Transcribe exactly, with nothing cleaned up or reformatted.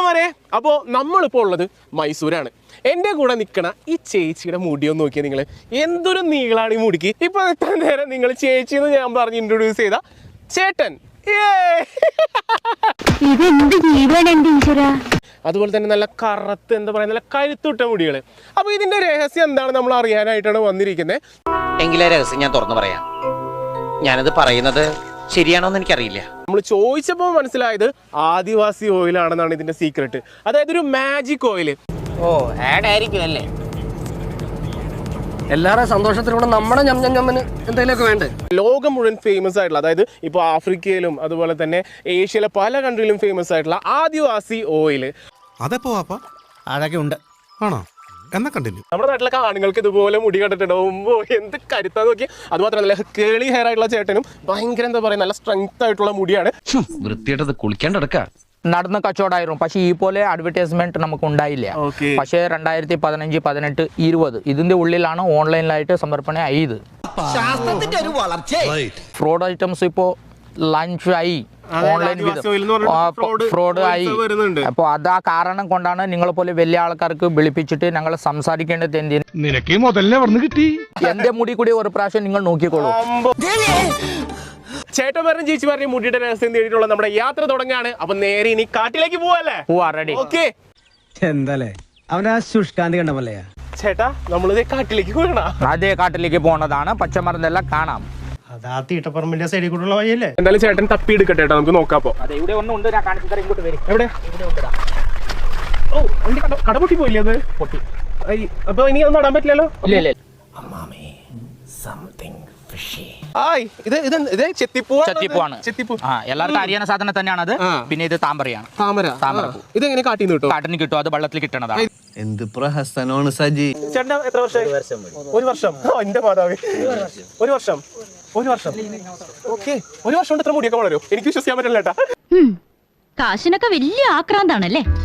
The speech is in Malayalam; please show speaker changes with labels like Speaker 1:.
Speaker 1: ചേട്ടന്മാരെ, അപ്പോൾ നമ്മളിപ്പോൾ ഉള്ളത് മൈസൂരാണ്. എൻ്റെ കൂടെ നിൽക്കണ ഈ ചേച്ചിയുടെ മുടിയൊന്ന് നോക്കിയാൽ നിങ്ങൾ, എന്തൊരു നീളാണ് ഈ മുടിക്ക്. ഇപ്പോൾ എത്ര നേരം നിങ്ങൾ ചേച്ചി എന്ന് ഞാൻ പറഞ്ഞ് ഇൻട്രൊഡ്യൂസ് ചെയ്ത ചേട്ടൻ. അതുപോലെ തന്നെ നല്ല കറുത്ത്, എന്താ പറയുക, നല്ല കരുത്തുട്ട മുടികൾ. അപ്പോൾ ഇതിൻ്റെ രഹസ്യം എന്താണ് നമ്മൾ അറിയാനായിട്ടാണ് വന്നിരിക്കുന്നത്.
Speaker 2: എങ്കിലേ രഹസ്യം ഞാൻ തുറന്നു പറയാം. ഞാനത് പറയുന്നത് ശരിയാണോന്ന് എനിക്കറിയില്ല.
Speaker 1: നമ്മൾ ചോദിച്ചപ്പോൾ മനസ്സിലായത് ആദിവാസി ഓയിലാണെന്നാണ് ഇതിന്റെ സീക്രട്ട്. അതായത് ഒരു മാജിക് ഓയിൽ.
Speaker 2: ഓ, ആഡ് ആയിരിക്കും അല്ലേ?
Speaker 3: എല്ലാവരുടെ സന്തോഷത്തിലൂടെ നമ്മുടെ ഞമ്മന് എന്തെങ്കിലുമൊക്കെ വേണ്ടേ.
Speaker 1: ലോകം മുഴുവൻ ഫേമസ് ആയിട്ടുള്ള, അതായത് ഇപ്പോൾ ആഫ്രിക്കയിലും അതുപോലെ തന്നെ ഏഷ്യയിലെ പല കൺട്രിയിലും ഫേമസ് ആയിട്ടുള്ള ആദിവാസി ഓയിൽ.
Speaker 4: അതെപ്പോ വാപ്പാ?
Speaker 5: അതൊക്കെ ഉണ്ട്.
Speaker 4: ആണോ? എന്നാ കണ്ടിന്യൂ.
Speaker 1: നമ്മുടെ നാട്ടിലൊക്കെ ആണുങ്ങൾക്ക് ഇതുപോലെ മുടി കണ്ടിട്ടുണ്ടാവുമ്പോൾ എന്ത് കരുത്താന്ന് നോക്കി. അത് മാത്രമല്ല, കേളി ഹെയർ ആയിട്ടുള്ള ചേട്ടനും ഭയങ്കര എന്താ പറയുക, നല്ല സ്ട്രെങ്ത് ആയിട്ടുള്ള മുടിയാണ്.
Speaker 6: വൃത്തിയായിട്ടത് കുളിക്കാണ്ടടക്ക
Speaker 7: നടന്ന കച്ചവടമായിരുന്നു. പക്ഷേ ഈ പോലെ അഡ്വർടൈസ്മെന്റ് നമുക്ക് ഉണ്ടായില്ല. പക്ഷേ രണ്ടായിരത്തി പതിനഞ്ച് പതിനെട്ട് ഇരുപത് ഇതിന്റെ ഉള്ളിലാണ് ഓൺലൈനിലായിട്ട് സമർപ്പണ ആയത്. ഫ്രോഡ് ഐറ്റംസ് ഇപ്പോ ലഞ്ച് ആയി, ഓൺലൈൻ ഫ്രോഡ് ആയി. അപ്പോൾ അതാ കാരണം കൊണ്ടാണ് നിങ്ങളെ പോലെ വലിയ ആൾക്കാർക്ക് വിളിപ്പിച്ചിട്ട് ഞങ്ങൾ സംസാരിക്കേണ്ടത്. എന്തിന്
Speaker 4: നിനക്ക് മുതലേ വന്ന് കിട്ടി.
Speaker 7: എന്റെ മുടി കൂടി ഒരു പ്രാവശ്യം നിങ്ങൾ നോക്കിക്കോളൂ.
Speaker 1: ചേട്ടന്മാരും ചേച്ചിമാരുടെയും മുടിയുടെ രഹസ്യം നേടിയിട്ടുള്ള നമ്മുടെ യാത്ര തുടങ്ങുകയാണ്. അപ്പൊ നേരെ ഇനി കാട്ടിലേക്ക് പോവല്ലേ?
Speaker 7: റെഡി.
Speaker 1: ഓക്കെ.
Speaker 5: എന്താലേ അവൻ ആ ശുഷ്കാന്തി കണ്ടമല്ലയാ
Speaker 1: ചേട്ടാ, നമ്മളിത് കാട്ടിലേക്ക് പോകണം.
Speaker 7: അതേ കാട്ടിലേക്ക് പോണതാണ്. പച്ചമരുന്നെല്ലാം കാണാം.
Speaker 5: അതാ തീട്ടപ്പറമ്പിന്റെ സൈഡിൽ കൂടെയുള്ള വഴിയല്ലേ?
Speaker 1: എന്തായാലും ചേട്ടൻ തപ്പി എടുക്കട്ടെ കേട്ടോ, നമുക്ക് നോക്കാപ്പോ.
Speaker 7: അതെ, ഇവിടെ ഒന്നുണ്ട്, ഞാൻ കാണിച്ചു തരാം. ഇങ്ങോട്ട് വരും.
Speaker 1: എവിടെ? ഓ, വണ്ടി കട പൊട്ടി പോയില്ലേ? അത് പൊട്ടി. അപ്പൊ ഇനി ഒന്നും നടാൻ പറ്റില്ലല്ലോ.
Speaker 7: ഇല്ല ഇല്ല.
Speaker 1: ആയ്, ഇത് ഇത് ഇത്
Speaker 7: ചെത്തിപ്പൂവാണ്.
Speaker 1: ചെത്തിപ്പൂ.
Speaker 7: ആ, എല്ലാവർക്കും അറിയാവുന്ന സാധനം തന്നെയാണ് അത്. പിന്നെ ഇത് താമരയാണ്.
Speaker 1: താമര.
Speaker 7: താമരപ്പൂ.
Speaker 1: ഇത് എങ്ങനെ കാട്ടിന്ന് കിട്ടും?
Speaker 7: കാട്ടിന് കിട്ടും, അത് വെള്ളത്തിൽ കിട്ടണതാണ്.
Speaker 6: എന്ത് പ്രഹസനമാണ് സജി.
Speaker 1: ചേട്ടൻ എത്ര വർഷം? ഒരു വർഷം. എന്റെ മാതാവേ, ഒരു വർഷം. ഒരു വർഷം. ഓക്കെ, ഒരു വർഷം കൊണ്ട് ഇത്ര മുടിയൊക്കെ വളരും? എനിക്ക് വിശ്വസിക്കാൻ പറ്റില്ല ചേട്ടാ.
Speaker 8: കാശിനൊക്കെ വലിയ ആക്രാന്താണല്ലേ?